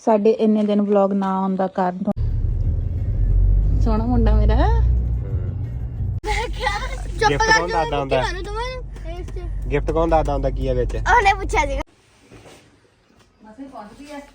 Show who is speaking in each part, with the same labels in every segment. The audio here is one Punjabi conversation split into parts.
Speaker 1: ਸਾਡੇ ਇੰਨੇ ਦਿਨ ਵਲੌਗ ਨਾ ਆਉਣ ਦਾ ਕਾਰਨ ਸੋਹਣਾ ਮੁੰਡਾ ਮੇਰਾ
Speaker 2: ਗਿਫਟ ਕੌਣ ਦਾਦਾ ਹੁੰਦਾ? ਗਿਫਟ ਕੌਣ ਦਾਦਾ ਹੁੰਦਾ ਕੀ ਆ ਵਿੱਚ?
Speaker 3: ਉਹਨੇ ਪੁੱਛਿਆ ਸੀਗਾ।
Speaker 1: ਮਸੇ ਪਹੁੰਚਦੀ ਹੈ।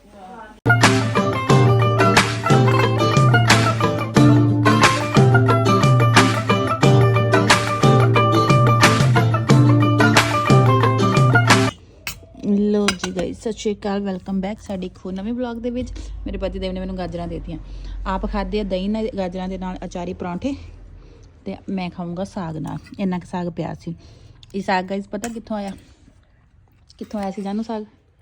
Speaker 1: ਲੋ ਜੀ ਗਾਇਸ, ਸਤਿ ਸ਼੍ਰੀ ਅਕਾਲ, ਵੈਲਕਮ ਬੈਕ ਸਾਡੇ ਇੱਕ ਹੋਰ ਨਵੇਂ ਵਲੌਗ ਦੇ ਵਿੱਚ। ਮੇਰੇ ਪਤੀ ਦੇਵ ਨੇ ਮੈਨੂੰ ਗਾਜਰਾਂ ਦੇਤੀਆਂ। ਆਪ ਖਾਦੇ ਆ ਦਹੀਂ ਨਾਲ, ਗਾਜਰਾਂ ਦੇ ਨਾਲ ਅਚਾਰੀ ਪਰੌਂਠੇ, ਤੇ ਮੈਂ ਖਾਊਂਗਾ ਸਾਗ ਨਾਲ। ਇੰਨਾ ਕੁ ਸਾਗ ਪਿਆ ਸੀ। ਇਹ ਸਾਗ ਗਾਇਸ ਪਤਾ ਕਿੱਥੋਂ ਆਇਆ? ਕਿੱਥੋਂ ਆਇਆ ਸੀ ਜਾਨੂ ਸਾਗ?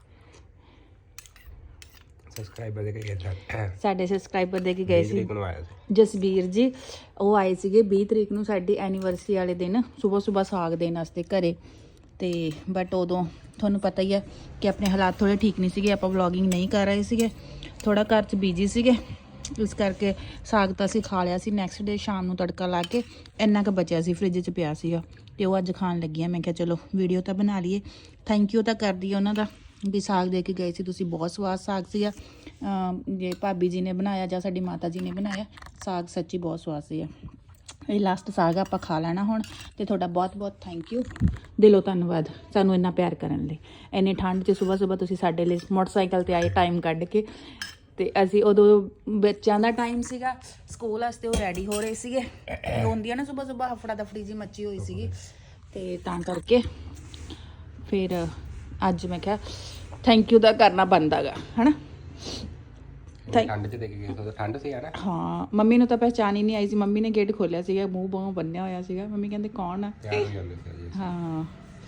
Speaker 2: ਸਬਸਕ੍ਰਾਈਬਰ ਦੇ ਕੇ ਗਿਆ
Speaker 1: ਸਾਡੇ ਸਬਸਕ੍ਰਾਈਬਰ ਦੇ ਕੇ ਗਏ ਸੀ ਜਸਬੀਰ ਜੀ। ਉਹ ਆਏ ਸੀਗੇ 20 ਤਰੀਕ ਨੂੰ ਸਾਡੀ ਐਨੀਵਰਸਰੀ ਵਾਲੇ ਦਿਨ ਸਵੇਰ ਸਾਗ ਦੇਣ ਵਾਸਤੇ ਘਰੇ। ਤੇ ਬਟ ਉਦੋਂ ਤੁਹਾਨੂੰ ਪਤਾ ਹੀ ਹੈ ਕਿ ਆਪਣੇ ਹਾਲਾਤ ਥੋੜ੍ਹੇ ਠੀਕ ਨਹੀਂ ਸੀਗੇ, ਆਪਾਂ ਵਲੌਗਿੰਗ ਨਹੀਂ ਕਰ ਰਹੇ ਸੀਗੇ, ਥੋੜ੍ਹਾ ਘਰ 'ਚ ਬਿਜੀ ਸੀਗੇ, ਇਸ ਕਰਕੇ ਸਾਗ ਤਾਂ ਅਸੀਂ ਖਾ ਲਿਆ ਸੀ। ਨੈਕਸਟ ਡੇ ਸ਼ਾਮ ਨੂੰ ਤੜਕਾ ਲਾ ਕੇ ਇੰਨਾ ਕੁ ਬਚਿਆ ਸੀ, ਫਰਿੱਜ 'ਚ ਪਿਆ ਸੀਗਾ, ਤੇ ਉਹ ਅੱਜ ਖਾਣ ਲੱਗੀ ਆ। ਮੈਂ ਕਿਹਾ ਚਲੋ ਵੀਡੀਓ ਤਾਂ ਬਣਾ ਲਈਏ, ਥੈਂਕ ਯੂ ਤਾਂ ਕਰਦੀ ਉਹਨਾਂ ਦਾ ਵੀ ਸਾਗ ਦੇ ਕੇ ਗਏ ਸੀ ਤੁਸੀਂ। ਬਹੁਤ ਸਵਾਦ ਸਾਗ ਸੀਗਾ। ਜੇ ਭਾਬੀ ਜੀ ਨੇ ਬਣਾਇਆ ਜਾਂ ਸਾਡੀ ਮਾਤਾ ਜੀ ਨੇ ਬਣਾਇਆ ਸਾਗ, ਸੱਚੀ ਬਹੁਤ ਸਵਾਦ ਸੀਗਾ। ਇਹ ਲਾਸਟ ਸਾਗ ਆਪਾਂ ਖਾ ਲੈਣਾ ਹੁਣ। ਤੇ ਤੁਹਾਡਾ ਬਹੁਤ ਬਹੁਤ ਥੈਂਕ ਯੂ, ਦਿਲੋਂ ਧੰਨਵਾਦ ਸਾਨੂੰ ਇੰਨਾ ਪਿਆਰ ਕਰਨ ਲਈ। ਇੰਨੀ ਠੰਡ 'ਚ ਸੁਬਾਹ ਤੁਸੀਂ ਸਾਡੇ ਲਈ ਮੋਟਰਸਾਈਕਲ 'ਤੇ ਆਏ ਟਾਈਮ ਕੱਢ ਕੇ। ਤੇ ਅਸੀਂ ਉਦੋਂ ਬੱਚਿਆਂ ਦਾ ਟਾਈਮ ਸੀਗਾ ਸਕੂਲ ਵਾਸਤੇ, ਉਹ ਰੈਡੀ ਹੋ ਰਹੇ ਸੀਗੇ। ਰੋਂਦੀਆਂ ਨਾ ਸੁਬਾਹ ਹਫੜਾ ਦਫੜੀ ਜੀ ਮੱਚੀ ਹੋਈ ਸੀਗੀ, ਤੇ ਤਾਂ ਕਰਕੇ ਫਿਰ ਅੱਜ ਮੈਂ ਕਿਹਾ ਥੈਂਕ ਯੂ ਦਾ ਕਰਨਾ ਬਣਦਾ ਗਾ, ਹੈ ਨਾ।
Speaker 2: ਠੰਡ 'ਚ ਦੇਖ ਕੇ ਗਏ, ਠੰਡ ਸੀ ਯਾਰ।
Speaker 1: ਹਾਂ, ਮੰਮੀ ਨੂੰ ਤਾਂ ਪਹਿਚਾਣ ਹੀ ਨਹੀਂ ਆਈ ਸੀ। ਮੰਮੀ ਨੇ ਗੇਟ ਖੋਲਿਆ ਸੀਗਾ, ਮੂੰਹ ਬਾਹੋਂ ਬੰਨਿਆ ਹੋਇਆ ਸੀਗਾ। ਮੰਮੀ ਕਹਿੰਦੇ ਕੌਣ ਆ? ਹਾਂ,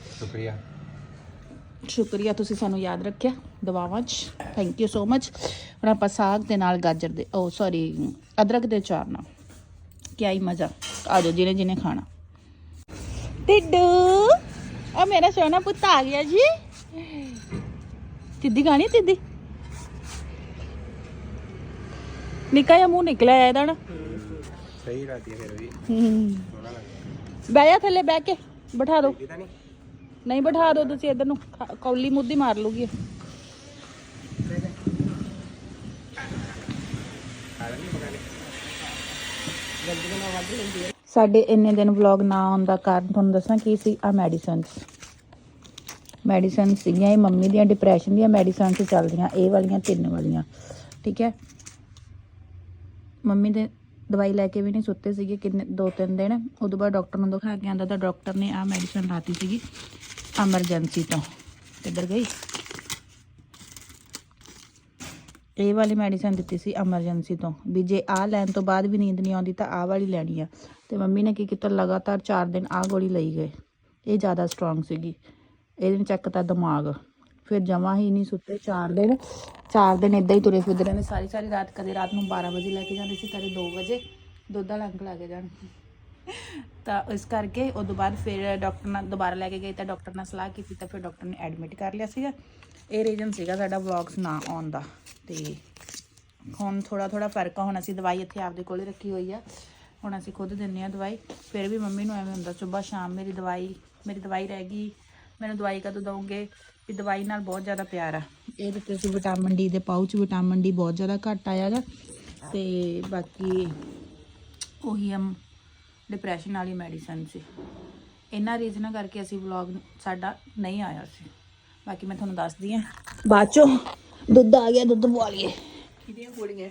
Speaker 1: ਸ਼ੁਕਰੀਆ ਤੁਸੀਂ ਸਾਨੂੰ ਯਾਦ ਰੱਖਿਆ ਦੁਆਵਾਂ 'ਚ, ਥੈਂਕ ਯੂ ਸੋ ਮਚ। ਹੁਣ ਆਪਾਂ ਸਾਗ ਦੇ ਨਾਲ ਗਾਜਰ ਦੇ ਅਦਰਕ ਦੇ ਅਚਾਰ ਨਾਲ ਕਿਆ ਹੀ ਮਜ਼ਾ। ਆ ਜਾਓ ਜਿਹਨੇ ਜਿਹਨੇ ਖਾਣਾ। ਟਿੱਡੂ ਆ ਮੇਰਾ ਸੋਹਣਾ ਪੁੱਤ ਆ ਗਿਆ ਜੀ। ਤਿੱਦੀ ਖਾਣੀ? ਤਿੱਦੀ ਨਿੱਕਾ ਜਿਹਾ ਮੂੰਹ ਨਿਕਲਿਆ ਇਹਦਾ ਨਾ।
Speaker 2: ਸਹੀ ਰਾਤੀ ਫਿਰ ਵੀ
Speaker 1: ਬਹਿ ਜਾ ਥੱਲੇ, ਬਹਿ ਕੇ ਬਿਠਾ ਦਿਓ। ਨਹੀਂ ਬਿਠਾ ਦਿਓ ਤੁਸੀਂ, ਇੱਧਰ ਨੂੰ ਕੌਲੀ ਮੁੱਦੀ ਮਾਰ ਲੂਗੀ। ਸਾਡੇ ਇੰਨੇ ਦਿਨ ਵਲੌਗ ਨਾ ਆਉਣ ਦਾ ਕਾਰਨ ਤੁਹਾਨੂੰ ਦੱਸਾਂ ਕੀ ਸੀ। ਆ ਮੈਡੀਸਨ ਸੀਗੀਆਂ, ਇਹ ਮੰਮੀ ਦੀਆਂ ਡਿਪਰੈਸ਼ਨ ਦੀਆਂ ਮੈਡੀਸਨ ਚੱਲਦੀਆਂ, ਇਹ ਵਾਲੀਆਂ 3 ਵਾਲੀਆਂ, ਠੀਕ ਹੈ। ਮੰਮੀ ਦੇ ਦਵਾਈ ਲੈ ਕੇ ਵੀ ਨਹੀਂ ਸੁੱਤੇ ਸੀਗੇ 2-3 ਦਿਨ। ਉਦੋਂ ਬਾਅਦ ਡਾਕਟਰ ਨੂੰ ਦਿਖਾ ਕੇ ਆਂਦਾ ਤਾਂ ਡਾਕਟਰ ਨੇ ਆਹ ਮੈਡੀਸਨ ਲਾਤੀ ਸੀਗੀ ਐਮਰਜੈਂਸੀ ਤੋਂ। ਕਿੱਧਰ ਗਈ? ਇਹ ਵਾਲੀ ਮੈਡੀਸਨ ਦਿੱਤੀ ਸੀ ਐਮਰਜੈਂਸੀ ਤੋਂ, ਵੀ ਜੇ ਆਹ ਲੈਣ ਤੋਂ ਬਾਅਦ ਵੀ ਨੀਂਦ ਨਹੀਂ ਆਉਂਦੀ ਤਾਂ ਆਹ ਵਾਲੀ ਲੈਣੀ ਆ। ਤੇ ਮੰਮੀ ਨੇ ਕੀ ਕੀਤਾ, ਲਗਾਤਾਰ 4 ਦਿਨ ਆਹ ਗੋਲੀ ਲਈ ਗਏ। ਇਹ ਜ਼ਿਆਦਾ ਸਟਰੋਂਗ ਸੀਗੀ, ਇਹਦੇ ਚੱਕ ਤਾਂ ਦਿਮਾਗ। ਫਿਰ ਜਮਾਂ ਹੀ ਨਹੀਂ ਸੁੱਤੇ 4 ਦਿਨ ਇੱਦਾਂ ਹੀ ਤੁਰੇ ਫਿਰਦੇ ਰਹਿੰਦੇ ਸਾਰੀ ਰਾਤ। ਕਦੇ ਰਾਤ ਨੂੰ 12 ਵਜੇ ਲੈ ਕੇ ਜਾਂਦੇ ਸੀ, ਕਦੇ 2 ਵਜੇ ਦੁੱਧ ਦਾ ਲੰਗ ਲਾ ਕੇ ਜਾਣ। ਤਾਂ ਇਸ ਕਰਕੇ ਉਦੋਂ ਬਾਅਦ ਫਿਰ ਡਾਕਟਰ ਨਾਲ ਦੁਬਾਰਾ ਲੈ ਕੇ ਗਏ, ਤਾਂ ਡਾਕਟਰ ਨਾਲ ਸਲਾਹ ਕੀਤੀ, ਤਾਂ ਫਿਰ ਡਾਕਟਰ ਨੇ ਐਡਮਿਟ ਕਰ ਲਿਆ ਸੀਗਾ। ਇਹ ਰੀਜ਼ਨ ਸੀਗਾ ਸਾਡਾ ਵਲੌਗਸ ਨਾ ਆਉਣ ਦਾ। ਤੇ ਹੁਣ ਥੋੜਾ ਫਰਕ ਆ। ਹੁਣ ਅਸੀਂ ਦਵਾਈ ਇੱਥੇ ਆਪਦੇ ਕੋਲ ਰੱਖੀ ਹੋਈ ਆ, ਹੁਣ ਅਸੀਂ ਖੁਦ ਦਿੰਦੇ ਹਾਂ ਦਵਾਈ। ਫਿਰ ਵੀ ਮੰਮੀ ਨੂੰ ਐਵੇਂ ਹੁੰਦਾ ਸੁਬਾਹ ਸ਼ਾਮ ਮੇਰੀ ਦਵਾਈ ਰਹਿ ਗਈ, ਮੈਨੂੰ ਦਵਾਈ ਕਦੋਂ ਦਊਂਗੇ? ਵੀ ਦਵਾਈ ਨਾਲ ਬਹੁਤ ਜ਼ਿਆਦਾ ਪਿਆਰ ਆ। ਇਹ ਦਿੱਤੇ ਸੀ ਵਿਟਾਮਿਨ ਡੀ ਦੇ ਪਾਊਚ। ਵਿਟਾਮਿਨ ਡੀ ਬਹੁਤ ਜ਼ਿਆਦਾ ਘੱਟ ਆਇਆ ਗਾ। ਤੇ ਬਾਕੀ ਉਹੀ ਡਿਪਰੈਸ਼ਨ ਵਾਲੀ ਮੈਡੀਸਨ ਸੀ। ਇਹਨਾਂ ਰੀਜ਼ਨਾਂ ਕਰਕੇ ਅਸੀਂ ਵਲੌਗ ਸਾਡਾ ਨਹੀਂ ਆਇਆ ਸੀ। ਬਾਕੀ ਮੈਂ ਤੁਹਾਨੂੰ ਦੱਸਦੀ ਹਾਂ ਬਾਅਦ ਚੋਂ। ਦੁੱਧ ਆ ਗਿਆ, ਦੁੱਧ ਪਵਾ ਲਈਏ। ਕਿਹਦੀਆਂ ਗੋਲੀਆਂ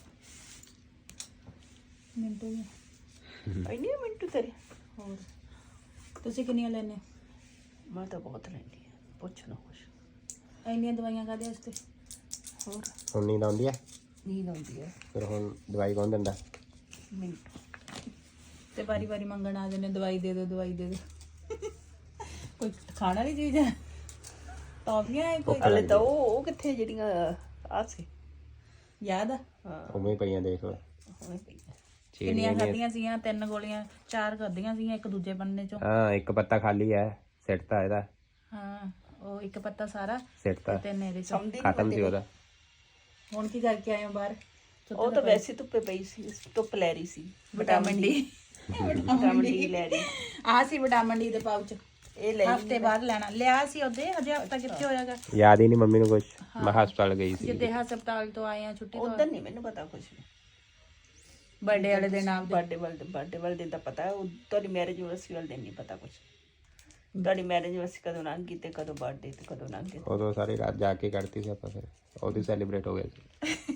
Speaker 1: ਮਿੰਟੂ ਮਿੰਟੂ ਤੇਰੇ? ਹੋਰ ਤੁਸੀਂ ਕਿੰਨੀਆਂ ਲੈਣੇ?
Speaker 3: ਮੈਂ ਤਾਂ ਬਹੁਤ ਲੈਂਦੀ ਆ, ਪੁੱਛ ਨਾ ਕੁਛ।
Speaker 1: ਇੰਨੀਆਂ ਦਵਾਈਆਂ ਕਾਹਦੇ ਵਾਸਤੇ?
Speaker 3: ਹੋਰ
Speaker 2: ਹੁਣ ਨੀਂਦ ਆਉਂਦੀ ਹੈ?
Speaker 3: ਨੀਂਦ ਆਉਂਦੀ ਹੈ।
Speaker 2: ਫਿਰ ਹੁਣ ਦਵਾਈ ਕੌਣ ਦਿੰਦਾ?
Speaker 3: ਮਿੰਟੂ
Speaker 1: ਤੇ ਵਾਰੀ ਮੰਗਣ ਆ ਜਾਂਦੇ, ਦਵਾਈ ਦੇ ਦਿਓ। ਕੋਈ ਖਾਣ ਵਾਲੀ ਚੀਜ਼ ਹੈ? ਟੌਫੀਆਂ ਹੈ ਕੋਈ?
Speaker 3: ਹਲੇ ਤਾਂ ਉਹ ਕਿੱਥੇ ਜਿਹੜੀਆਂ ਆ ਸੀ,
Speaker 1: ਯਾਦ ਆ?
Speaker 3: ਹਾਂ
Speaker 2: ਉਵੇਂ ਪਈਆਂ ਦੇਖ ਲਓ।
Speaker 3: ਹੁਣੇ ਪਈ ਆ।
Speaker 1: ਕਿੰਨੀਆਂ ਖਾਧੀਆਂ ਸੀਗੀਆਂ? 3 ਗੋਲੀਆਂ 4 ਖਾਧੀਆਂ ਸੀਗੀਆਂ, ਇੱਕ ਦੂਜੇ ਬੰਨੇ ਚੋਂ।
Speaker 2: ਹਾਂ, ਇੱਕ ਪੱਤਾ ਖਾਲੀ ਹੈ, ਸਿੱਟਤਾ ਇਹਦਾ।
Speaker 1: ਹਾਂ, ਉਹ ਇੱਕ ਪੱਤਾ ਸਾਰਾ
Speaker 2: ਸਿੱਟਤਾ,
Speaker 1: 3 ਇਹਦੇ ਚੋਂ
Speaker 2: ਖਤਮ ਸੀ ਉਹਦਾ।
Speaker 1: ਹੁਣ ਕੀ ਕਰਕੇ ਆਏ ਹੋ ਬਾਹਰ?
Speaker 3: ਉਹ ਤਾਂ ਵੈਸੇ ਧੁੱਪੇ ਪਈ ਸੀ, ਧੁੱਪ ਲੈ ਰਹੀ ਸੀ।
Speaker 1: ਵਿਟਾਮਿਨ ਡੀ
Speaker 3: ਵਿਟਾਮਿਨ ਡੀ ਲੈ ਰਹੀ।
Speaker 1: ਆਹ ਸੀ ਵਿਟਾਮਿਨ ਡੀ ਦੇ ਪਾਊਚ।
Speaker 3: ਇਹ ਲੈ
Speaker 1: ਹਫਤੇ ਬਾਅਦ ਲੈਣਾ ਲਿਆ ਸੀ ਉਹਦੇ ਹਜੇ ਹਫਤਾ ਕਿੱਥੇ ਹੋਇਆਗਾ
Speaker 2: ਯਾਦ ਹੀ ਨਹੀਂ ਮੰਮੀ ਨੂੰ ਕੁਝ ਮੈਂ ਹਸਪਤਾਲ ਗਈ ਸੀ
Speaker 1: ਜਿੱਦੇ ਹਸਪਤਾਲ ਤੋਂ ਆਏ ਆ ਛੁੱਟੀ ਤੋਂ
Speaker 3: ਉਦੋਂ ਨਹੀਂ ਮੈਨੂੰ ਪਤਾ ਕੁਝ
Speaker 1: ਬਰਥਡੇ ਵਾਲੇ ਦਿਨ ਆਪ
Speaker 3: ਬਰਥਡੇ ਵਾਲੇ ਦਿਨ ਤਾਂ ਪਤਾ ਹੈ ਉਹ ਤੁਹਾਡੀ ਮੈਰਿਜ ਯੂਨੀਵਰਸਿਟੀ ਵਾਲੇ ਦਿਨ ਨਹੀਂ ਪਤਾ ਕੁਝ ਤੁਹਾਡੀ ਮੈਰਿਜ ਯੂਨੀਵਰਸਿਟੀ ਕਦੋਂ ਲੰਘ ਗਈ ਤੇ ਕਦੋਂ ਬਰਥਡੇ ਤੇ ਕਦੋਂ ਲੰਘ ਗਈ
Speaker 2: ਉਦੋਂ ਸਾਰੀ ਰਾਤ ਜਾ ਕੇ ਕੱਢਤੀ ਸੀ ਆਪਾਂ ਫਿਰ ਉਹਦੀ ਸੈਲੀਬ੍ਰੇਟ ਹੋ ਗਿਆ ਸੀ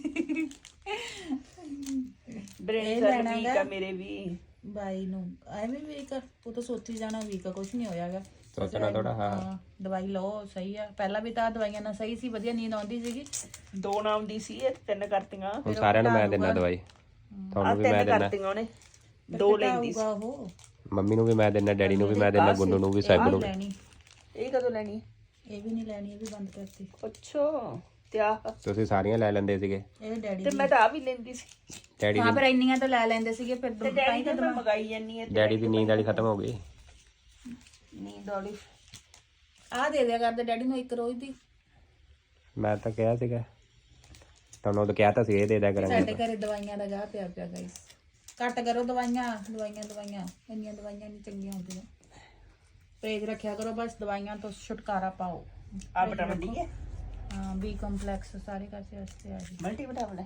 Speaker 3: ਬ੍ਰੇਨ ਸੈਲ ਵੀਕ ਆ ਮੇਰੇ ਵੀ
Speaker 1: ਬਾਈ ਨੂੰ ਐਵੇਂ ਵੀਕ ਉਹ ਤਾਂ ਸੋਚੀ ਜਾਣਾ ਵੀਕ ਕੁਝ ਨਹੀਂ ਹੋਇਆਗਾ
Speaker 2: ਸੋਚਣਾ ਥੋੜਾ ਹਾਂ
Speaker 1: ਦਵਾਈ ਲਓ ਸਹੀ ਆ ਪਹਿਲਾਂ ਵੀ ਤਾਂ ਦਵਾਈਆਂ ਨਾਲ ਸਹੀ ਸੀ ਵਧੀਆ ਨੀਂਦ ਆਉਂਦੀ ਸੀਗੀ
Speaker 3: 2 ਨਾਮ ਦੀ ਸੀ ਇਹ 3 ਕਰਤੀਆਂ
Speaker 2: ਹੁਣ ਸਾਰਿਆਂ ਨੂੰ ਮੈਂ ਦਿੰਦਾ ਦਵਾਈ ਤੁਹਾਨੂੰ ਵੀ ਮੈਂ
Speaker 3: 3
Speaker 2: ਦਿੰਦਾ
Speaker 3: ਕਰਤੀਆਂ ਉਹਨੇ 2 ਲੈਂਦੀ ਸੀ
Speaker 1: ਉਹ
Speaker 2: ਮੰਮੀ ਨੂੰ ਵੀ ਮੈਂ ਦਿੰਦਾ ਡੈਡੀ ਨੂੰ ਵੀ ਮੈਂ ਦਿੰਦਾ ਗੁੰਨੂ ਨੂੰ ਵੀ ਸਾਹਿਬ ਨੂੰ ਵੀ
Speaker 1: ਲੈਣੀ
Speaker 3: ਇਹ ਕਦੋਂ ਲੈਣੀ
Speaker 1: ਇਹ ਵੀ ਨਹੀਂ ਲੈਣੀ ਇਹ ਵੀ ਬੰਦ ਕਰਤੀ
Speaker 3: ਅੱਛਾ ਤੇ ਆ
Speaker 2: ਤੁਸੀਂ ਸਾਰੀਆਂ ਲੈ ਲੈਂਦੇ ਸੀਗੇ
Speaker 1: ਇਹ ਡੈਡੀ
Speaker 3: ਤੇ ਮੈਂ ਤਾਂ ਆ ਵੀ ਲੈਂਦੀ ਸੀ
Speaker 2: ਡੈਡੀ
Speaker 1: ਹਾਂ ਪਰ ਇੰਨੀਆਂ ਤਾਂ ਲੈ ਲੈਂਦੇ ਸੀਗੇ ਫਿਰ
Speaker 3: ਤੇ ਡੈਡੀ ਨੇ ਮੈਂ ਮਗਾਈ ਜਾਨੀ ਹੈ
Speaker 2: ਡੈਡੀ ਦੀ ਨੀਂਦ ਵਾਲੀ ਖਤਮ ਹੋ ਗਈ
Speaker 3: ਨੀਂਦ ਵਾਲੀ
Speaker 1: ਆਹ ਦੇ ਦਿਆ ਕਰਦੇ ਡੈਡੀ ਨੂੰ ਇੱਕ ਰੋਜ਼ ਦੀ
Speaker 2: ਮੈਂ ਤਾਂ ਕਿਹਾ ਸੀਗਾ ਤੁਹਾਨੂੰ ਉਦੋਂ ਕਿਹਾ ਤਾਂ ਸੀ ਇਹ ਦੇ ਦਿਆ ਕਰਾਂਗੇ
Speaker 1: ਸਾਡੇ ਘਰੇ ਦਵਾਈਆਂ ਦਾ ਗਾਹ ਪਿਆ ਪਿਆ ਗਾਇਸ ਘੱਟ ਕਰੋ ਦਵਾਈਆਂ ਇੰਨੀਆਂ ਦਵਾਈਆਂ ਨਹੀਂ ਚੰਗੀਆਂ ਹੁੰਦੀਆਂ ਪਰਹੇਜ਼ ਰੱਖਿਆ ਕਰੋ ਬਸ ਦਵਾਈਆਂ ਤੋਂ ਛੁਟਕਾਰਾ ਪਾਓ
Speaker 3: ਆ ਵਿਟਾਮਿਨ ਡੀ ਹੈ
Speaker 1: ਹਾਂ ਬੀ ਕੰਪਲੈਕਸ ਸਾਰੇ ਕਾਸੇ ਵਾਸਤੇ ਆ ਜੀ
Speaker 3: ਮਲਟੀ ਵਿਟਾਮਿਨ ਹੈ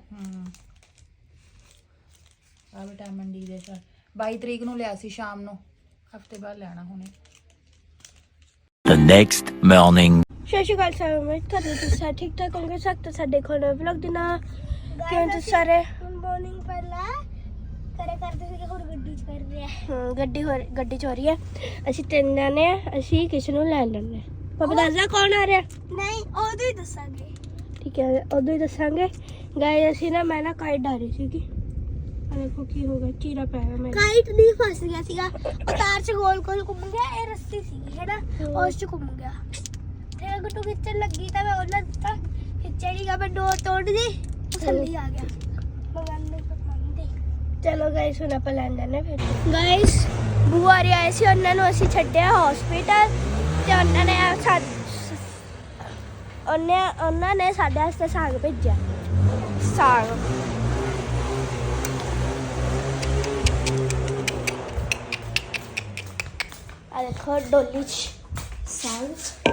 Speaker 1: ਆ ਵਿਟਾਮਿਨ ਡੀ ਦੇ ਸਰ 22 ਤਰੀਕ ਨੂੰ ਲਿਆ ਸੀ ਸ਼ਾਮ ਨੂੰ ਹਫਤੇ ਬਾਅਦ ਲੈਣਾ ਹੁਣੇ
Speaker 4: The next morning.
Speaker 5: ਸਤਿ ਸ਼੍ਰੀ ਅਕਾਲ ਸਾਰਿਆਂ ਨੂੰ ਤੁਹਾਡੇ ਤੁਸੀਂ ਸਾਰੇ ਠੀਕ ਠਾਕ ਹੋਣਗੇ ਸਖਤ ਸਾਡੇ ਕੋਲ ਵਲੌਗ ਦੇ ਨਾਲ ਕਿਵੇਂ ਤੁਸੀਂ ਸਾਰੇ ਮਾਰਨਿੰਗ ਪਹਿਲਾਂ ਕਰਦੇ ਸੀ ਹੁਣ ਗੱਡੀ ਚ ਕਰ ਰਹੇ ਆ ਗੱਡੀ ਚ ਹੋ ਰਹੀ ਹੈ ਅਸੀਂ 3 ਜਾਣੇ ਆ ਅਸੀਂ ਕਿਸੇ ਨੂੰ ਲੈ ਲੈਣੇ ਪਾਪਾ ਦੱਸਦਾ ਕੌਣ ਆ ਰਿਹਾ ਨਹੀਂ ਉਦੋਂ ਹੀ ਦੱਸਾਂਗੇ ਠੀਕ ਹੈ ਉਦੋਂ ਹੀ ਦੱਸਾਂਗੇ ਗਾਇਸ ਅਸੀਂ ਨਾ ਮੈਂ ਨਾ ਕਾਈਟ ਡਾਰੀ ਸੀਗੀ ਆ ਦੇਖੋ ਕੀ ਹੋ ਗਿਆ ਚੀਰਾ ਪੈ ਗਿਆ ਮੇਰੇ ਕਾਈਟ ਨਹੀਂ ਫਸ ਗਿਆ ਸੀਗਾ ਉਹ ਤਾਰ ਚ ਗੋਲ ਗੋਲ ਘੁੰਮ ਗਿਆ ਇਹ ਰਸਤੀ ਸੀਗੀ ਹੈ ਨਾ ਉਸ ਚ ਘੁੰਮ ਗਿਆ ਤੇ ਗੁੱਟੂ ਖਿੱਚਣ ਲੱਗੀ ਤਾਂ ਮੈਂ ਉਹਨਾਂ ਦਿੱਤਾ ਖਿੱਚੜੀ ਗਾ ਮੈਂ ਡੋਰ ਤੋੜ ਦੀ ਉਹ ਥੱਲੇ ਆ ਗਿਆ ਮੰਗਾਨੇ ਮੰਗਦੇ ਚਲੋ ਗਾਇਸ ਹੁਣ ਆਪਾਂ ਲੈਣ ਜਾਣੇ ਫਿਰ ਗਾਇਸ ਬੂਆ ਰੇ ਆਏ ਸੀ ਉਹਨਾਂ ਨੂੰ ਅਸੀਂ ਛੱਡਿਆ ਹਸਪੀਟਲ ਤੇ ਉਹਨਾਂ ਨੇ ਸਾਡੇ ਵਾਸਤੇ ਸਾਗ ਭੇਜਿਆ ਸਾਗ ਆ ਦੇਖੋ ਡੋਲੀ ਚ ਸਾਗ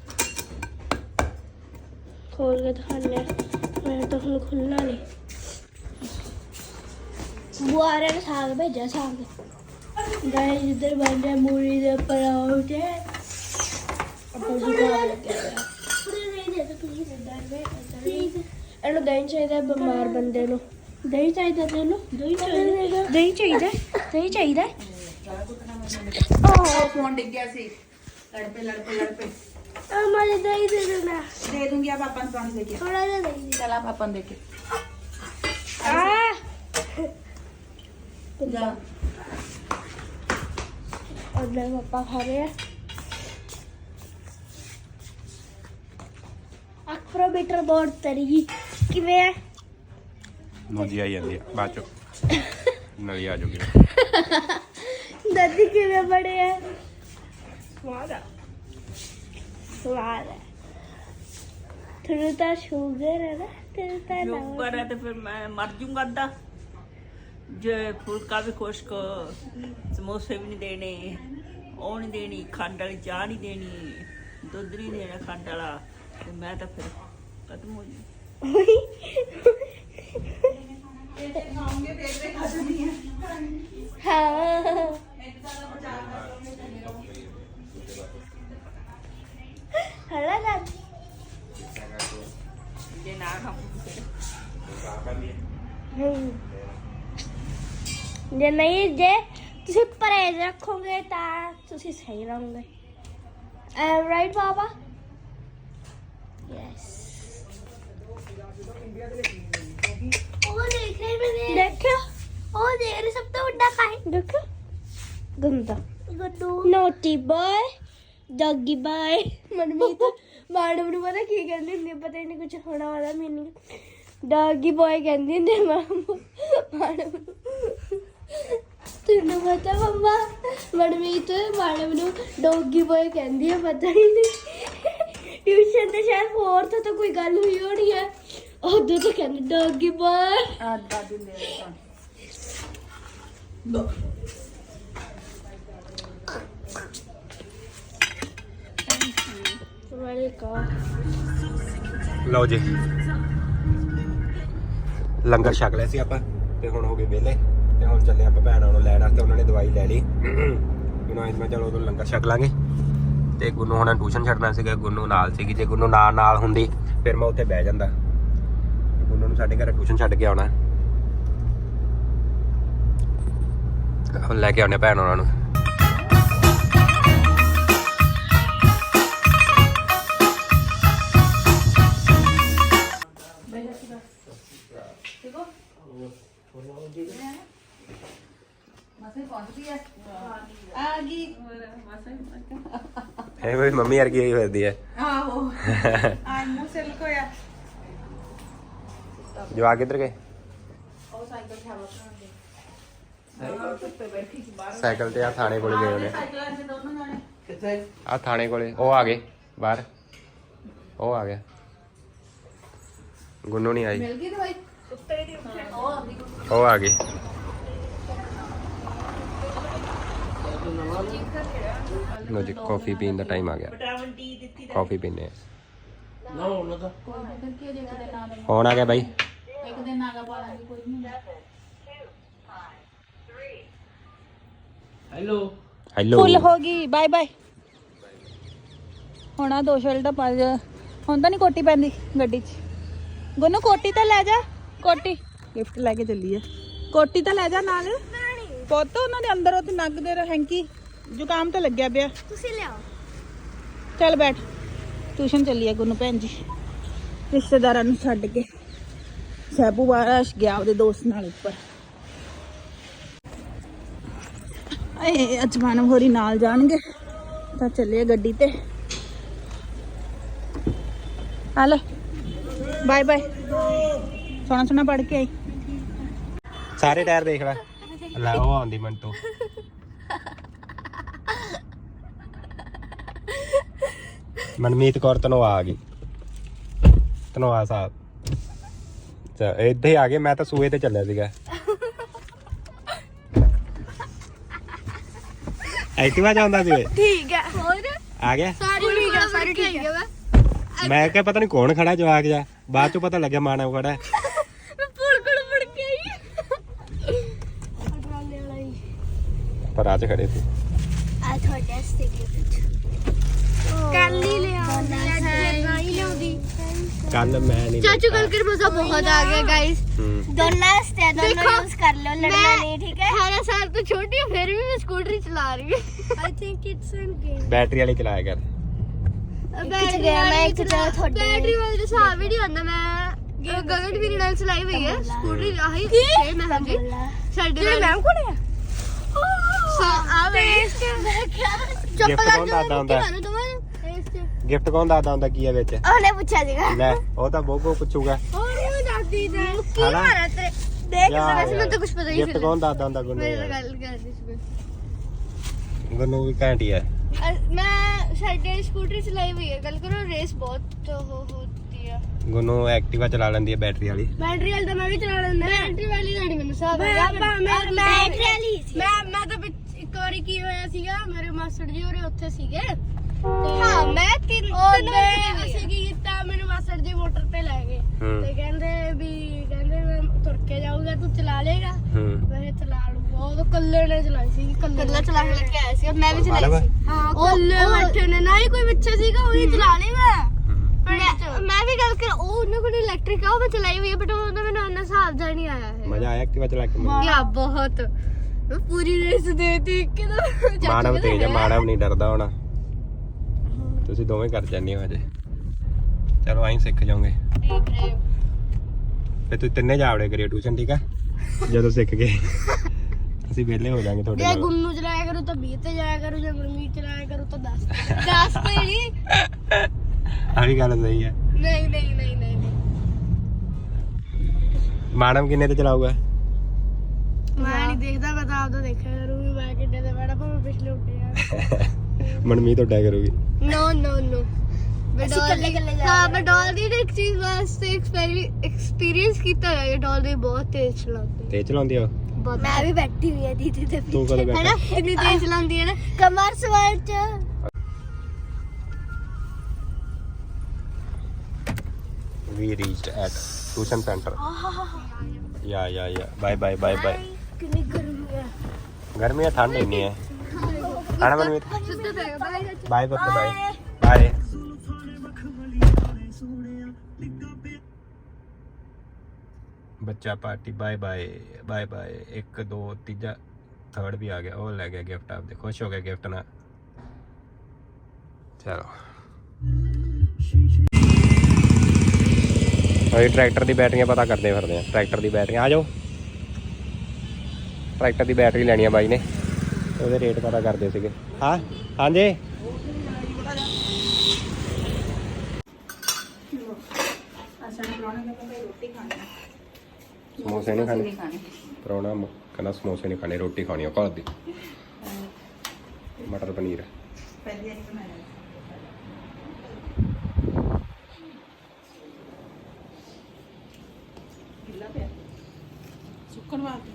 Speaker 5: खोल के दिखाने मैं तो हम खुलना नहीं बुआरे ने साग भेजा साग गाइस इधर बन रहा मूली दे पराठे ਇਹਨੂੰ ਦਹੀਂ ਚਾਹੀਦਾ ਬਿਮਾਰ ਬੰਦੇ ਨੂੰ ਦਹੀਂ ਚਾਹੀਦਾ ਤੈਨੂੰ ਦਹੀਂ ਚਾਹੀਦਾ
Speaker 1: ਉਹ ਫੋਨ ਡਿੱਗ ਗਿਆ ਸੀ ਲੜ ਪੇ
Speaker 5: हमारे दही दे देना
Speaker 1: दे दूंगी आप पापा पानी लेके
Speaker 5: थोड़ा सा दही
Speaker 1: चल आप पापा देके जा
Speaker 5: और मेरे पापा खा रहे हैं एक्रोमीटर बोर्ड तरी किवें है
Speaker 2: ਮੋਜੀ ਆਈ ਜਾਂਦੀ ਆ ਬਾਅਦ ਚੋਂ ਨਲੀ ਆ ਜੂਗੀ
Speaker 5: दादी किवें बड़े हैं स्वाद है तेरे तो शुगर है ना तेरे तो
Speaker 3: ਸ਼ੂਗਰ ਹੈ ਤੇ ਫਿਰ ਮੈਂ ਮਰ ਜੂੰਗਾ ਅੱਧਾ ਜੇ ਫੁਲਕਾ ਵੀ ਖੁਸ਼ਕ ਸਮੋਸੇ ਵੀ ਨਹੀਂ ਦੇਣੇ ਉਹ ਨਹੀਂ ਦੇਣੀ ਖੰਡ ਵਾਲੀ ਚਾਹ ਨਹੀਂ ਦੇਣੀ ਦੁੱਧ ਨਹੀਂ ਦੇਣਾ ਖੰਡ ਵਾਲਾ ਤੇ ਮੈਂ ਤਾਂ ਫਿਰ ਖਤਮ ਹੋ ਜੂ
Speaker 5: हाँ हला दादी
Speaker 3: ਜੇ ਨਾ ਖਾਵਾਂ ਫਿਰ
Speaker 5: ਜੇ ਨਹੀਂ ਜੇ ਤੁਸੀਂ ਪਰਹੇਜ਼ ਰੱਖੋਗੇ ਤਾਂ ਤੁਸੀਂ ਸਹੀ ਰਹੋਗੇ ਐਮ ਰਾਈਟ ਬਾਬਾ ਯੈਸ ਉਹ ਦੇਖ ਰਹੇ ਮੈਨੇ ਦੇਖਿਓ ਉਹ ਦੇਖ ਰਹੇ ਸਭ ਤੋਂ ਵੱਡਾ ਕਾਇ ਦੇਖੋ ਗੰਦਾ ਗੱਡੂ naughty boy doggy bye Manmeet madam ਨੂੰ ਪਤਾ ਕੀ ਕਹਿੰਦੀ ਹੁੰਦੀ ਪਤਾ ਹੀ ਨਹੀਂ ਕੁਝ ਹੋਣਾ ਵਾਲਾ ਮੈਨੂੰ ਡੌਗੀ ਬॉय ਕਹਿੰਦੀ ਹੁੰਦੀ ਮੈਡਮ ਨੂੰ ਤੈਨੂੰ ਪਤਾ ਮੰਮਾ ਮਨਮੀਤ ਮੈਡਮ ਨੂੰ ਡੌਗੀ ਬॉय ਕਹਿੰਦੀ ਹੈ ਪਤਾ ਹੀ ਨਹੀਂ ਟਿਊਸ਼ਨ ਤੇ ਸ਼ਾਇਦ ਫੋਰਥ ਤੋਂ ਕੋਈ ਗੱਲ ਹੋਈ ਹੋਣੀ ਹੈ ਉਦੋਂ ਤਾਂ ਕਹਿੰਦੀ ਡੌਗੀ ਬॉय
Speaker 1: आ दादी ले लेता
Speaker 2: ਲਓ ਜੀ ਲੰਗਰ ਛਕ ਲਿਆ ਸੀ ਆਪਾਂ ਤੇ ਹੁਣ ਹੋ ਗਏ ਵਿਹਲੇ ਤੇ ਹੁਣ ਚੱਲੇ ਆਪਾਂ ਭੈਣਾਂ ਨੂੰ ਲੈਣ ਵਾਸਤੇ। ਉਹਨਾਂ ਨੇ ਦਵਾਈ ਲੈ ਲਈ ਮੈਨੂੰ ਅੱਜ ਮੈਂ ਚਲੋ ਉਦੋਂ ਲੰਗਰ ਛਕ ਲਾਂਗੇ। ਤੇ ਗੁੰਨੂ ਹੁਣ ਟਿਊਸ਼ਨ ਛੱਡਣਾ ਸੀਗਾ, ਗੁੰਨੂ ਨਾਲ ਸੀਗੀ। ਜੇ ਗੁੰਨੂ ਨਾਲ ਹੁੰਦੀ ਫਿਰ ਮੈਂ ਉੱਥੇ ਬਹਿ ਜਾਂਦਾ। ਗੁੰਨੂ ਨੂੰ ਸਾਡੇ ਘਰ ਟਿਊਸ਼ਨ ਛੱਡ ਕੇ ਆਉਣਾ, ਹੁਣ ਲੈ ਕੇ ਆਉਣੇ ਭੈਣ ਉਹਨਾਂ ਨੂੰ। ਇਹ ਵੀ ਮੰਮੀ ਵਰਗੀ ਹੋਈ ਫਿਰਦੀ ਹੈ।
Speaker 1: ਆਹੋ ਆਈ ਮੂੰਹ ਸਿਰ ਲਕੋਇਆ।
Speaker 2: ਜਵਾਕ ਕਿੱਧਰ ਗਏ?
Speaker 1: ਉਹ ਸਾਈਕਲ ਤੇ ਹਵਾ ਭਰਾਉਂਦੇ। ਧੁੱਪੇ ਬੈਠੀ ਸੀ ਬਾਹਰ।
Speaker 2: ਸਾਈਕਲ ਤੇ ਆ ਥਾਣੇ ਕੋਲ ਗਏ ਉਹਨੇ।
Speaker 1: ਸਾਈਕਲਾਂ 'ਚ ਦੋਨੋਂ ਜਾਣੇ।
Speaker 3: ਕਿੱਥੇ?
Speaker 2: ਆ ਥਾਣੇ ਕੋਲੇ ਉਹ ਆ ਗਏ ਬਾਹਰ। ਉਹ ਆ ਗਿਆ, ਗੁੰਨੂ ਨਹੀਂ ਆਈ।
Speaker 1: ਮਿਲ ਗਈ ਦਵਾਈ? ਉੱਤੇ ਦੀ ਉਹ ਆਉਂਦੀ।
Speaker 2: ਉਹ ਆ ਗਈ। ਲੋ ਜੀ ਕਾਫੀ ਪੀਣ ਦਾ ਟਾਈਮ ਆ ਗਿਆ।
Speaker 3: ਵਿਟਾਮਿਨ ਡੀ ਦਿੱਤੀ
Speaker 2: ਕਾਫੀ ਪੀਨੇ ਆ।
Speaker 3: ਨਾ ਉਹਨਾਂ ਦਾ
Speaker 1: ਫਿਰ ਕੀ ਹੋ ਜੇ ਇੱਕ ਦਿਨ ਨਾ ਦੇਣਾ?
Speaker 2: ਫੋਨ ਆ ਗਿਆ ਬਾਈ।
Speaker 1: ਇੱਕ ਦਿਨ ਨਾਗਾ ਪਾ ਲਾਂਗੇ, ਕੋਈ ਨਹੀਂ ਹੁੰਦਾ।
Speaker 2: ਹੈਲੋ
Speaker 1: ਫੁੱਲ ਹੋ ਗਈ। Bye bye. ਹੁਣ ਆ 2 ਸ਼ਰਟਾਂ ਪਾ ਜਾ। ਹੁਣ ਤਾਂ ਨਹੀਂ ਕੋਟੀ ਪੈਂਦੀ ਗੱਡੀ 'ਚ। ਗੁੰਨੂ ਕੋਟੀ ਤਾਂ ਲੈ ਜਾ। ਕੋਟੀ ਗਿਫਟ ਲੈ ਕੇ ਚੱਲੀ ਆ। ਕੋਟੀ ਤਾਂ ਲੈ ਜਾ ਨਾਲ। ਪੁੱਤ ਉਹਨਾਂ ਦੇ ਅੰਦਰ ਉਹ ਤੇ ਨੱਕ ਦੇ ਹੈਂਕੀ ਜ਼ੁਕਾਮ ਤਾਂ ਲੱਗਿਆ ਪਿਆ।
Speaker 5: ਤੁਸੀਂ ਲਿਆਓ।
Speaker 1: ਚੱਲ ਬੈਠ। ਟਿਊਸ਼ਨ ਚੱਲੀ ਆ ਗੁੰਨੂ ਭੈਣ ਜੀ ਰਿਸ਼ਤੇਦਾਰਾਂ ਨੂੰ ਛੱਡ ਕੇ। ਸੈਬੂ ਬਾਰਾਸ਼ ਗਿਆ ਉਹਦੇ ਦੋਸਤ ਨਾਲ ਉੱਪਰ। ਏ ਅੱਜ ਮਾਨਵ ਹੋਰੀ ਨਾਲ ਜਾਣਗੇ ਤਾਂ ਚੱਲੇ ਗੱਡੀ ਤੇ। ਹਲ ਬਾਏ ਬਾਏ। ਸੋਹਣਾ ਸੋਹਣਾ ਪੜ ਕੇ ਆਈ।
Speaker 2: ਸਾਰੇ ਟਾਇਰ ਦੇਖ ਲੈ। ਲੈ ਉਹ ਆਉਂਦੀ ਮੰਟੂ। ਮਨਮੀਤ ਕੌਰ ਧਨੋਆ ਆ ਗਈ। ਧਨੋਆ ਸਾਹਿਬ ਅੱਛਾ ਇੱਥੇ ਹੀ ਆ ਗਏ। ਮੈਂ ਤਾਂ ਸੂਏ ਤੇ ਚੱਲਿਆ ਸੀਗਾ। ਐਕਟਿਵਾ ਜਾਂਦਾ ਸੀ।
Speaker 5: ਠੀਕ ਹੈ। ਹੋਰ
Speaker 2: ਆ ਗਿਆ।
Speaker 5: ਸਾਰੀ ਠੀਕ ਹੈ।
Speaker 2: ਮੈਂ ਕਿਹਾ ਪਤਾ ਨਹੀਂ ਕੌਣ ਖੜਾ ਜਵਾਕ ਜਾ। ਬਾਅਦ ਚੋਂ ਪਤਾ ਲੱਗਿਆ ਮਾਨਵ ਖੜਾ ਹੈ।
Speaker 5: ਮੈਂ ਪੁਲ ਕੋਲ ਮੁੜ ਕੇ ਆਈ। ਅਟਰਾਲੇ ਵਾਲਾ ਹੀ
Speaker 2: ਪਰ ਅੱਜ ਖੜੇ ਸੀ।
Speaker 5: ਆ ਤੁਹਾਡੇ ਸਟੇਡੀਅਮ ਕੱਲ ਹੀ ਲਿਆਉਂਦੀ ਅੱਜ ਨਹੀਂ ਲਿਆਉਂਦੀ।
Speaker 2: ਕੱਲ ਮੈਂ ਨਹੀਂ
Speaker 5: ਚਾਚੂ ਕੱਲ ਕਰ ਮਜ਼ਾ ਬਹੁਤ ਆ ਗਿਆ ਗਾਇਸ। ਦੋਨਾਂ ਸਟੇ ਦੋਨੋਂ ਯੂਜ਼ ਕਰ ਲਿਓ, ਲੜਨਾ ਨਹੀਂ ਠੀਕ ਹੈ। 18 ਸਾਲ ਤੋਂ ਛੋਟੀ ਹਾਂ ਫਿਰ ਵੀ ਮੈਂ ਸਕੂਟਰੀ ਚਲਾ ਰਹੀ ਹਾਂ। I think it's an game.
Speaker 2: Battery ਵਾਲੀ ਚਲਾਇਆ ਕਰ।
Speaker 5: ਬੈਟਰੀ ਮੈਂ ਇੱਕ ਜਗ੍ਹਾ ਤੁਹਾਡੇ ਬੈਟਰੀ ਵਾਲੀ ਦਾ ਹਿਸਾਬ ਹੀ ਨਹੀਂ ਆਉਂਦਾ। ਮੈਂ ਗਗਨ ਵੀਰੇ ਨਾਲ ਚਲਾਈ ਹੋਈ ਹੈ ਸਕੂਟਰੀ। ਆਹੀ ਛੇ ਮੈਂ ਹਾਂਜੀ ਸਾਡੇ ਨਾਲ ਮੈਮ ਕੋਲ ਹੈ। ਆ ਵੇਸਟ ਚੁੱਪ
Speaker 2: ਗਿਫਟ
Speaker 5: ਕਰ
Speaker 2: ਕੌਣ
Speaker 5: ਜਾ
Speaker 2: ਦੱਸਦਾ ਹੁੰਦਾ?
Speaker 5: ਮੈਨੂੰ ਦਵਾਂ
Speaker 2: ਗਿਫਟ ਕੌਣ ਦੱਸਦਾ ਹੁੰਦਾ ਕੀ ਹੈ ਵਿੱਚ?
Speaker 5: ਉਹਨੇ ਪੁੱਛਿਆ ਸੀਗਾ।
Speaker 2: ਲੈ ਉਹ ਤਾਂ ਬੋਗੋ ਪੁੱਛੂਗਾ।
Speaker 5: ਹੋਰ ਉਹ ਦੱਸਦੀ ਤੇ ਕੀ
Speaker 2: ਹਨਾ?
Speaker 5: ਮਾਰਾ ਤੇਰੇ ਦੇਖ
Speaker 2: ਯਾਰ,
Speaker 5: ਵੈਸੇ ਮੈਨੂੰ ਤਾਂ ਕੁਝ ਪਤਾ ਹੀ
Speaker 2: ਗਿਫਟ
Speaker 5: ਨਹੀਂ।
Speaker 2: ਕੌਣ ਦੱਸਦਾ ਹੁੰਦਾ ਗੁੰਨੂ?
Speaker 5: ਮੇਰੇ ਨਾਲ ਗੱਲ ਕਰਦੀ ਸੀ
Speaker 2: ਗੁੰਨੂ ਵੀ ਘੈਂਟੀ ਹੈ।
Speaker 5: ਮੈਂ ਸਾਡੇ ਸਕੂਟਰੀ ਚਲਾਈ ਹੋਈ ਹੈ। ਗੱਲ ਕਰੋ ਰੇਸ ਬਹੁਤ ਹੋਤੀ ਹੈ।
Speaker 2: ਗੁੰਨੂ ਐਕਟਿਵਾ ਚਲਾ ਲੈਂਦੀ ਹੈ ਬੈਟਰੀ ਵਾਲੀ।
Speaker 5: ਬੈਟਰੀ ਵਾਲੀ ਤਾਂ ਮੈਂ ਵੀ ਚਲਾ ਲੈਂਦਾ। ਬੈਟਰੀ ਵਾਲੀ ਤਾਂ ਨਹੀਂ ਮੈਨੂੰ ਹਿਸਾਬ ਹੈਗਾ। ਬੈਟਰੀ ਵਾਲੀ ਮੈਂ ਤਾਂ ਇੱਕ ਵਾਰੀ ਕੀ ਹੋਇਆ ਸੀਗਾ, ਮੇਰੇ ਮਾਸਟਰ ਜੀ ਹੋਰੇ ਉੱਥੇ ਸੀਗੇ। ਹਾਂ ਮੈਂ ਤਿੰਨ ਅਸੀਂ ਕੀ ਕੀਤਾ, ਮੈਨੂੰ ਮਾਸਟਰ ਜੀ ਮੋਟਰ ਤੇ ਲੈ ਗਏ ਤੇ ਕਹਿੰਦੇ ਮੈਂ ਤੁਰ ਕੇ ਜਾਊਗਾ ਤੂੰ ਚਲਾ ਲੇਗਾ। ਮੈਂ ਚਲਾ ਲੂਗਾ। ਉਹ ਤਾਂ ਕੱਲੇ ਨੇ ਚਲਾਈ ਸੀ। ਕੱਲਾ ਚਲਾ ਕੇ ਲੈ ਕੇ ਆਇਆ ਸੀ। ਮੈਂ ਵੀ ਚਲਾਈ ਸੀ। ਹਾਂ ਕੱਲੇ ਬੈਠੇ ਨੇ ਨਾ ਹੀ ਕੋਈ ਪਿੱਛੇ ਸੀਗਾ। ਉਹੀ ਚਲਾ ਲੇਗਾ। ਮੈਂ ਵੀ ਗੱਲ ਕਰ ਉਹ ਉਹਨਾਂ ਕੋਲ ਇਲੈਕਟ੍ਰਿਕ ਆ ਉਹ ਮੈਂ ਚਲਾਈ ਹੋਈ ਹੈ ਬਟ ਉਹਦਾ ਮੈਨੂੰ ਇੰਨਾ ਹਿਸਾਬ ਜਾ ਨਹੀਂ ਆਇਆ ਹੈ।
Speaker 2: ਮਜ਼ਾ ਆਇਆ ਐਕਟਿਵਾ ਚਲਾ ਕੇ?
Speaker 5: ਯਾ ਬਹੁਤ ਮੈਂ ਪੂਰੀ ਰੇਸ ਦੇਤੀ ਕਿਦੋਂ।
Speaker 2: ਮਾਨਵ ਤੇਜ ਹੈ, ਮਾਨਵ ਨਹੀਂ ਡਰਦਾ ਹੋਣਾ। ਤੁਸੀਂ ਦੋਵੇਂ ਕਰ ਜਾਂਦੇ ਹੋ ਅਜੇ। ਚਲੋ ਆਈ ਸਿੱਖ ਜਾਓਗੇ ਫੇ ਤੁਸੀਂ ਤਿੰਨੇ ਜਾਵੜੇ ਕਰਿਓ ਟਿਊਸ਼ਨ ਠੀਕ ਆ। ਜਦੋਂ ਸਿੱਖ ਗਏ ਅਸੀਂ ਵਿਹਲੇ ਹੋ ਜਾਾਂਗੇ ਤੁਹਾਡੇ
Speaker 5: ਜੇ
Speaker 2: ਨਾਲ।
Speaker 5: ਗੁੰਨੂ ਚਲਾਇਆ ਕਰੂ ਤਾਂ 20 ਤੇ ਜਾਇਆ ਕਰੂ, ਜੇ ਮਨਮੀਤ ਚਲਾਇਆ ਕਰੂ ਤਾਂ 10 ਤੇ ਨਹੀਂ।
Speaker 2: ਆ ਵੀ ਗੱਲ ਸਹੀ ਹੈ।
Speaker 5: ਨਹੀਂ
Speaker 2: ਮਾਨਵ ਕਿੰਨੇ ਤੇ ਚਲਾਊਗਾ?
Speaker 5: ਮੈਂ ਨਹੀਂ ਦੇਖਦਾ। ਮੈਂ ਤਾਂ ਆਪਦਾ ਦੇਖਿਆ ਕਰੂੰਗੀ ਮੈਂ ਕਿੱਡੇ ਤੇ ਬੈਠਾ ਭਾਵੇਂ ਪਿਛਲੇ ਉੱਤੇ ਆ।
Speaker 2: ਮਨਮੀਤ ਉੱਡਿਆ ਕਰੂਗੀ।
Speaker 5: ਨੋ ਮੈਂ ਡੋਲ ਦੀ ਇੱਕ ਚੀਜ਼ ਵਾਸਤੇ ਐਕਸਪੀਰੀਅੰਸ ਕੀਤਾ ਹੈ। ਡੋਲ ਦੀ ਬਹੁਤ ਤੇਜ਼ ਚਲਾਉਂਦੀ।
Speaker 2: ਤੇਜ਼ ਚਲਾਉਂਦੀ ਆ?
Speaker 5: ਮੈਂ ਵੀ ਬੈਠੀ ਹੋਈ ਆ ਦੀਦੀ ਤੇ
Speaker 2: ਤੂੰ ਕਦੋਂ ਬੈਠਾ?
Speaker 5: ਇੰਨੀ ਤੇਜ਼ ਚਲਾਉਂਦੀ ਹੈ ਨਾ ਕਮਰ ਸਵਾਰ ਚ।
Speaker 2: We reached at tuition center. Yeah. Bye.
Speaker 5: ਕਿੰਨੀ ਗਰਮੀ ਹੈ
Speaker 2: गर्मी है ठंड नहीं है खाना मनमीत बाय पप्पा बाय बच्चा पार्टी बाय 1 2 तीजा थर्ड भी आ गया वो ले गया गिफ्ट आपने खुश हो गए गिफ्ट ना चलो अभी ट्रैक्टर की बैटरियां पता करते फिरते हैं ट्रैक्टर की बैटरियां आ जाओ ट्रैक्टर की बैटरी लैनी है बाई ने ਉਹਦੇ ਰੇਟ ਪਤਾ ਕਰਦੇ ਸੀਗੇ ਹਾਂ ਹਾਂਜੀ ਸਮੋਸੇ ਨਹੀਂ ਖਾਣੇ ਪਰੌਣਾ ਕਹਿੰਦਾ ਸਮੋਸੇ ਨਹੀਂ ਖਾਣੇ ਰੋਟੀ ਖਾਣੀ ਆ ਘਰ ਦੀ ਮਟਰ ਪਨੀਰ
Speaker 1: ਪਹਿਲੀ ਵਾਰੀ ਬਣਾਇਆ ਗਿੱਲਾ ਪਿਆ ਸੁੱਕਣ ਵਾਸਤੇ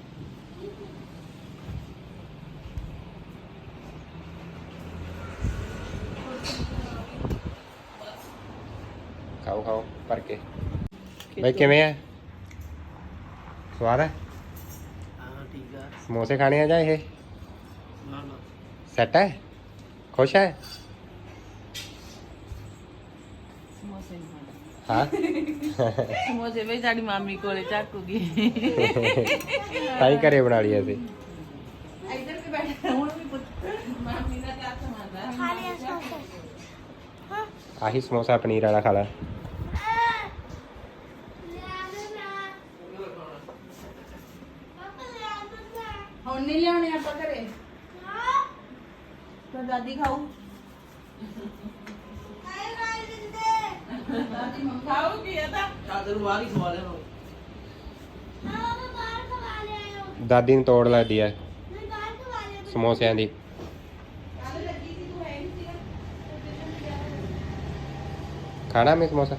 Speaker 2: ਖਾਓ ਭਰ ਕੇ ਬਾਈ ਕਿਵੇਂ ਆ ਸਵਾਦ ਹੈ
Speaker 3: ਹਾਂ ਠੀਕ ਆ
Speaker 2: ਸਮੋਸੇ ਖਾਣੇ ਆ ਜਾਂ ਇਹ ਸੈਟ ਹੈ ਖੁਸ਼ ਹੈ
Speaker 3: ਸਮੋਸੇ ਨਹੀਂ ਖਾਣੇ
Speaker 2: ਹਾਂ
Speaker 3: ਸਮੋਸੇ ਵੀ ਸਾਡੀ ਮਾਮੀ ਕੋਲੇ ਚੱਕੂਗੀ
Speaker 2: ਤਾਂ ਹੀ ਘਰੇ ਬਣਾ ਲਈ ਅਸੀਂ
Speaker 3: ਇੱਧਰ ਵੀ ਬੈਠਾ ਹੁਣ ਵੀ ਪੁੱਤ ਮਾਮੀ ਦਾ ਹੱਥ ਮਾਰਦਾ
Speaker 5: ਖਾ ਲਿਆ ਸਮੋਸੇ
Speaker 2: ਆਹੀ ਸਮੋਸਾ ਪਨੀਰ ਵਾਲਾ ਖਾ ਲੈ
Speaker 3: ਹੁਣ ਨਹੀਂ ਲਿਆਉਣੇ ਆਪਾਂ ਘਰੇ ਤਾਂ ਦਾਦੀ ਖਾਊ ਦਾਦੀ ਮੰਗ ਖਾਊਗੀ ਇਹ ਤਾਂ ਦਾਦਰ ਬਾਹਰ ਹੀ ਖਵਾ ਲੈਣੋ
Speaker 2: ਦਾਦੀ ਨੂੰ ਤੋੜ ਲੱਗਦੀ ਹੈ ਸਮੋਸਿਆਂ ਦੀ ਖਾਣਾ ਮੈਂ ਸਮੋਸਾ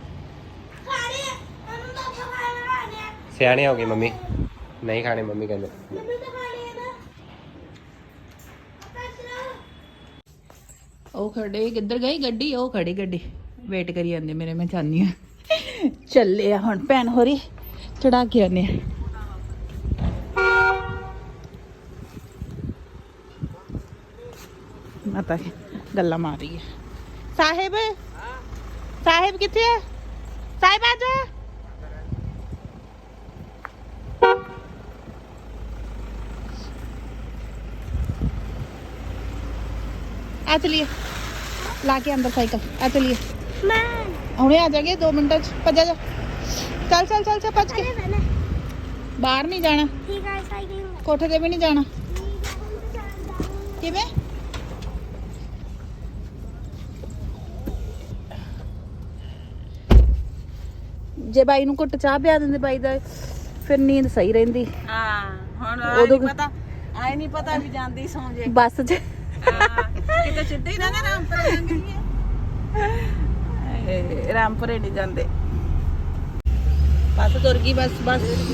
Speaker 2: ਸਿਆਣੇ ਹੋ ਗਏ ਮੰਮੀ ਨਹੀਂ ਖਾਣੇ ਮੰਮੀ ਕਹਿੰਦੇ
Speaker 1: ਉਹ ਖੜੇ ਕਿੱਧਰ ਗਈ ਗੱਡੀ ਉਹ ਖੜੀ ਗੱਡੀ ਵੇਟ ਕਰੀ ਜਾਂਦੇ ਮੇਰੇ ਮੈਂ ਚਾਹਨੀ ਆ ਚੱਲੇ ਆ ਹੁਣ ਭੈਣ ਹੋਰੀ ਚੜਾ ਕੇ ਆਨੇ ਮਾਤਾ ਗੱਲਾਂ ਮਾਰ ਰਹੀ ਹੈ ਸਾਹਿਬ ਕਿੱਥੇ ਹੈ ਸਾਹਿਬ ਆ ਜਾ आ चलिए लाके अंदर साइकिल आ चलिए हुणे आ जाएंगे 2 मिनट भजा जा चल भज के बाहर नहीं जाना कोठे ते भी नहीं जाना किवें जे बाई नूं घुट चाह पिया दिंदे बाई दा फिर नींद सही रहिंदी
Speaker 3: ਹਾਂ ਹੁਣ
Speaker 1: ਉਦੋਂ
Speaker 3: ਆਈ ਨਹੀਂ ਪਤਾ ਵੀ ਜਾਂਦੀ ਸੌਂ ਜੇ
Speaker 1: बस च
Speaker 3: ਕਿਤੇ ਸਿੱਧੇ ਹੀ ਨਾ ਰਾਮਪੁਰ ਲੰਘੀ
Speaker 1: ਰਾਮਪੁਰੇ ਨਹੀਂ ਜਾਂਦੇ ਬੱਸ ਤੁਰ ਗਈ ਬੱਸ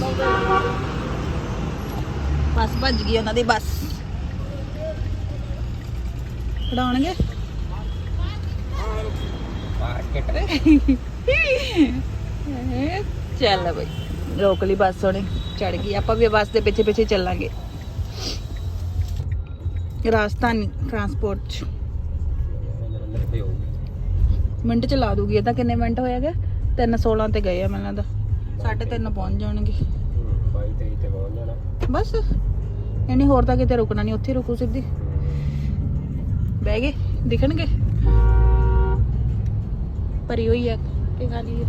Speaker 1: ਭੱਜ ਗਈ ਉਹਨਾਂ ਦੀ ਬੱਸ ਖੜਾਉਣਗੇ ਚੱਲ ਬਈ ਰੋਕ ਲਈ ਬੱਸ ਉਹਨੇ ਚੜ ਗਈ ਆਪਾਂ ਵੀ ਬੱਸ ਦੇ ਪਿੱਛੇ ਚੱਲਾਂਗੇ ਰਾਜਧਾਨੀ ਟਰਾਂਸਪੋਰਟ ਚ ਮਿੰਟ ਚ ਲਾ ਦੂਗੀ ਇਹ ਤਾਂ ਕਿੰਨੇ ਮਿੰਟ ਹੋਏਗਾ 3:16 ਤੇ ਗਏ ਆ ਮੈਨੂੰ ਲੱਗਦਾ 3:30 ਪਹੁੰਚ ਜਾਣਗੇ
Speaker 2: 22-23 ਤੇ ਪਹੁੰਚ ਜਾਣਾ
Speaker 1: ਬਸ ਇਹਨੇ ਹੋਰ ਤਾਂ ਕਿਤੇ ਰੁਕਣਾ ਨਹੀਂ ਉੱਥੇ ਰੁਕੂ ਸਿੱਧੀ ਬਹਿ ਗਏ ਦਿਖਣਗੇ ਭਰੀ ਹੋਈ ਆ ਕਿ ਖਾਲੀ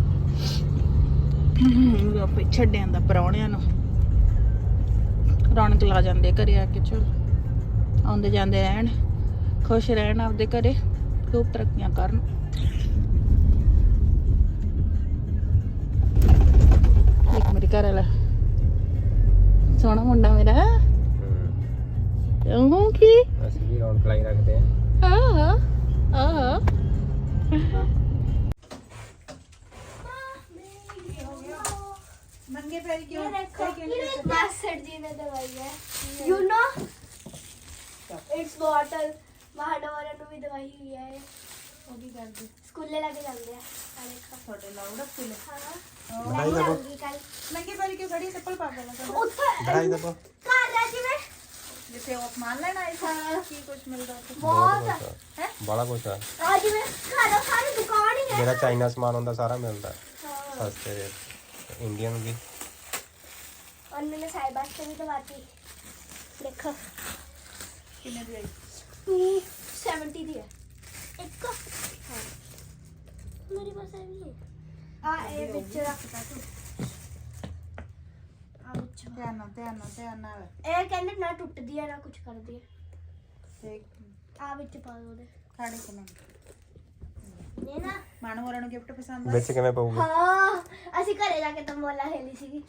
Speaker 1: ਆਪੇ ਛੱਡਿਆਂ ਦਾ ਪਰੌਣਿਆਂ ਨੂੰ ਰੌਣਕ ਲਾ ਜਾਂਦੇ ਘਰੇ ਆ ਕੇ ਚਲ ਆਉਂਦੇ ਜਾਂਦੇ ਰਹਿਣ ਖੁਸ਼ ਰਹਿਣ ਆਪਦੇ ਘਰੇ ਖੂਬ ਤਰੱਕੀਆਂ ਕਰਨ ਇੱਕ ਮੇਰੇ ਘਰ ਵਾਲਾ ਸੋਹਣਾ ਮੁੰਡਾ ਮੇਰਾ ਉਹ ਕੀ
Speaker 2: ਅਸੀਂ ਵੀ ਰੌਣਕ ਲਾਈ ਰੱਖਦੇ ਆ
Speaker 1: ਆਹ ਨੰਗੇ ਪੈਰ ਕਿਉਂ
Speaker 5: मास्टर जी ने दवाई है यू नो इट्स बॉटल महाडोरा ਨੂੰ ਵੀ ਦਵਾਈ ਹੋਈ ਹੈ
Speaker 1: ਉਹ ਕੀ ਕਰਦੇ?
Speaker 5: ਸਕੂਲੇ ਲੈ ਕੇ ਜਾਂਦੇ ਆ ਦੇਖੋ
Speaker 1: ਤੁਹਾਡੇ ਲਾਉੜਾ ਸਕੂਲੇ।
Speaker 5: ਹਾਂ
Speaker 2: ਵਧਾਈ ਦੇਵੋ।
Speaker 5: ਕੱਲ
Speaker 1: ਨੰਗੇ ਪੈਰੀ ਕਿਉਂ ਖੜੀ? ਚੱਪਲ ਪਾ ਕੇ ਲਗਾ।
Speaker 5: ਉੱਥੇ
Speaker 2: ਵਧਾਈ ਦੇਵੋ।
Speaker 5: ਘਰ ਆ ਜਿਵੇਂ
Speaker 1: ਜਿੱਥੇ ਉਹ ਸਮਾਨ ਲੈਣ ਆਏ ਸੀ ਕੀ ਕੁਝ ਮਿਲਦਾ ਉੱਥੇ?
Speaker 5: ਬਹੁਤ
Speaker 2: ਬੜਾ ਕੁਛ ਆ
Speaker 5: ਆ ਜਿਵੇਂ ਘਰ ਸਾਰੀ ਦੁਕਾਨ ਹੀ ਹੈ
Speaker 2: ਜਿਹੜਾ ਚਾਈਨਾ ਸਮਾਨ ਹੁੰਦਾ ਸਾਰਾ ਮਿਲਦਾ
Speaker 5: ਹਾਂ
Speaker 2: ਸਸਤੇ ਰੇਟ ਇੰਡੀਅਨ ਵੀ
Speaker 5: ਉਹਨੇ ਸਾਈਬਰ ਤੇ ਵੀ ਦਵਾਤੀ ਦੇਖੋ
Speaker 1: ਕਿੰਨੇ ਦੀ ਆਈ?
Speaker 5: 270 ਦੀ ਹੈ ਇੱਕ ਹਾਂ ਮੇਰੀ ਪਾਸ ਹੈ ਵੀ ਆ ਇਹ ਵਿੱਚ ਰੱਖਤਾ ਤੂੰ ਆ ਵਿੱਚ
Speaker 1: ਧਿਆਨ ਨਾਲ
Speaker 5: ਇਹ ਕਹਿੰਦੇ ਨਾ ਟੁੱਟਦੀ ਹੈ ਨਾ ਕੁਝ ਕਰਦੀ ਹੈ
Speaker 1: ਤੇ
Speaker 5: ਆ ਵਿੱਚ ਪਾ ਦੋ ਉਹਦੇ
Speaker 1: ਖਾੜੇ ਕੋਲ
Speaker 5: ਇਹ ਨਾ
Speaker 1: ਮਾਨੂ ਹੋਰਾਂ ਨੂੰ ਗਿਫਟ ਪਸੰਦ ਆ?
Speaker 2: ਵਿੱਚ ਕਿਵੇਂ ਪਊਗੀ
Speaker 5: ਹਾਂ ਅਸੀਂ ਘਰੇ ਜਾ ਕੇ ਤੰਬੋਲਾ ਖੇਲੀ ਸੀਗੀ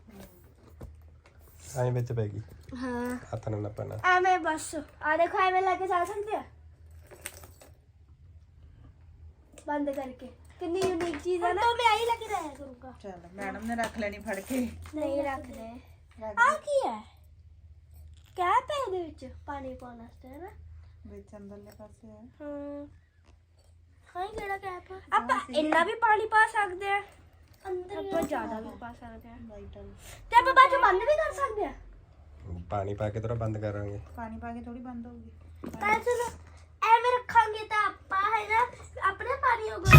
Speaker 2: ਐਂ ਵਿੱਚ ਪੈਗੀ
Speaker 5: ਹਾਂ
Speaker 2: ਹੱਥ ਨਾਲ ਨੱਪਣਾ
Speaker 5: ਐਵੇਂ ਬਸ ਆ ਦੇਖੋ ਐਵੇਂ ਲਾ ਕੇ ਜਾ ਸਕਦੇ ਆ ਬੰਦ ਕਰਕੇ ਕਿੰਨੀ ਯੂਨੀਕ ਚੀਜ਼ ਹੈ ਨਾ तो मैं आई लगे रहा करूंगा
Speaker 1: ਚਲ ਮੈਡਮ ਨੇ ਰੱਖ ਲੈਣੀ ਫੜ ਕੇ।
Speaker 5: नहीं रख ले
Speaker 1: ਰੱਖ
Speaker 5: आ की है कैप है ਇਹਦੇ ਵਿੱਚ ਪਾਣੀ ਪਾਉਣ ਵਾਸਤੇ ਹੈ ਨਾ
Speaker 1: ਵਿੱਚ ਅੰਦਰਲੇ ਪਾਸੇ ਹੈ।
Speaker 5: ਹਾਂ ਹਾਂ ਕਿਹੜਾ ਕੈਪ ਆ ਆਪਾਂ ਇੰਨਾ ਵੀ ਪਾਣੀ ਪਾ ਸਕਦੇ ਆ ਅੰਦਰ ਆਪਾਂ ਜ਼ਿਆਦਾ ਵੀ ਪਾ ਸਕਦੇ ਆ
Speaker 1: ਵਾਈਟਲ
Speaker 5: ਤੇ ਆਪਾਂ ਬਾਅਦ ਚ ਬੰਦ ਵੀ ਕਰ ਸਕਦੇ ਆ
Speaker 2: ਪਾਣੀ ਪਾ ਕੇ ਥੋੜਾ ਬੰਦ ਕਰਾਂਗੇ
Speaker 1: ਪਾਣੀ ਪਾ ਕੇ ਥੋੜੀ ਬੰਦ ਹੋਊਗੀ।
Speaker 5: ਤਾਂ ਚਲੋ ਐਵੇਂ ਰੱਖਾਂਗੇ ਤਾਂ ਆਪਾਂ ਹੈ ਨਾ ਆਪਣੇ ਪਾਣੀ ਹੋਗਾ